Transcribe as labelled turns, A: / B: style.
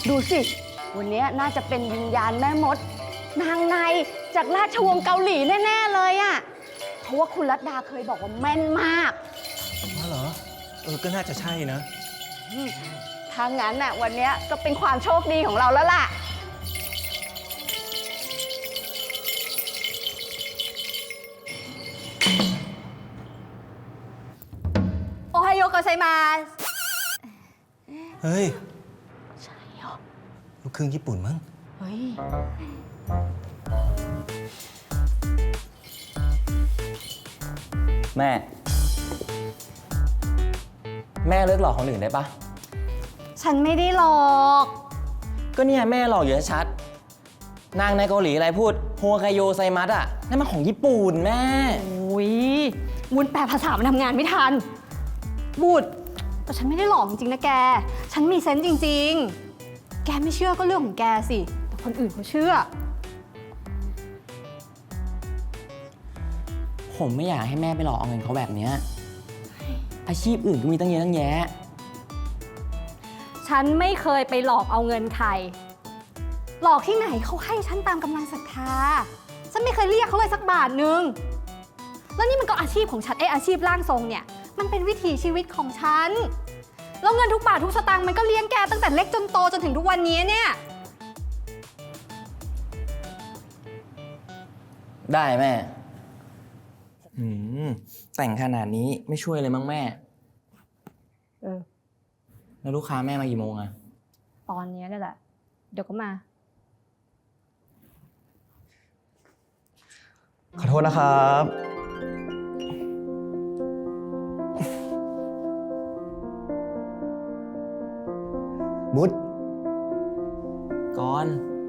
A: ดูสิ วันนี้น่าจะเป็นวิญญาณแม่มด นางในจากราชวงศ์เกาหลีแน่ๆเลยอะเพราะว่าคุณรัตดาเคยบอกว่าแม่นมาก
B: อ๋อเหรอก็น่าจะใช่นะ
A: ถ้างั้นน่ะวันนี้ก็เป็นความโชคดีของเราแล้วล่ะโอไฮโอโกไซมาส
B: เฮ้ย
A: ใช่เหรอ
B: ลูกครึ่งญี่ปุ่นมั้ง
A: เฮ้ย
C: แม่เลิกหลอกคนอื่นได้ปะ
A: ฉันไม่ได้หลอก
C: ก็เนี่ยแม่หลอกอยู่ชัดนางในเกาหลีอะไรพูดโฮไคโยไซมัสอ่ะนั่นมันของญี่ปุ่นแม่
A: โอ้ยวุ้นแปลภาษามันทำงานไม่ทันบูดแต่ฉันไม่ได้หลอกจริงๆนะแกฉันมีเซนส์จริงๆแกไม่เชื่อก็เรื่องของแกสิแต่คนอื่นเขาเชื่อ
C: ผมไม่อยากให้แม่ไปหลอกเอาเงินเขาแบบนี้อาชีพอื่นก็มีตั้งเยอะตั้งแยะ
A: ฉันไม่เคยไปหลอกเอาเงินใครหลอกที่ไหนเขาให้ฉันตามกำลังศรัทธาฉันไม่เคยเรียกเขาเลยสักบาทนึงแล้วนี่มันก็อาชีพของฉันอาชีพร่างทรงเนี่ยมันเป็นวิถีชีวิตของฉันแล้วเงินทุกบาททุกสตางค์มันก็เลี้ยงแกตั้งแต่เล็กจนโตจนถึงทุกวันนี้เนี่ย
C: ได้แม่แต่งขนาดนี้ไม่ช่วยเลยมั้งแม่แล้วลูกค้าแม่มากี่โมงอะ
A: ตอนนี้นี่แหละเดี๋ยวก็มา
B: ขอโทษนะครับมุด
C: ก่อน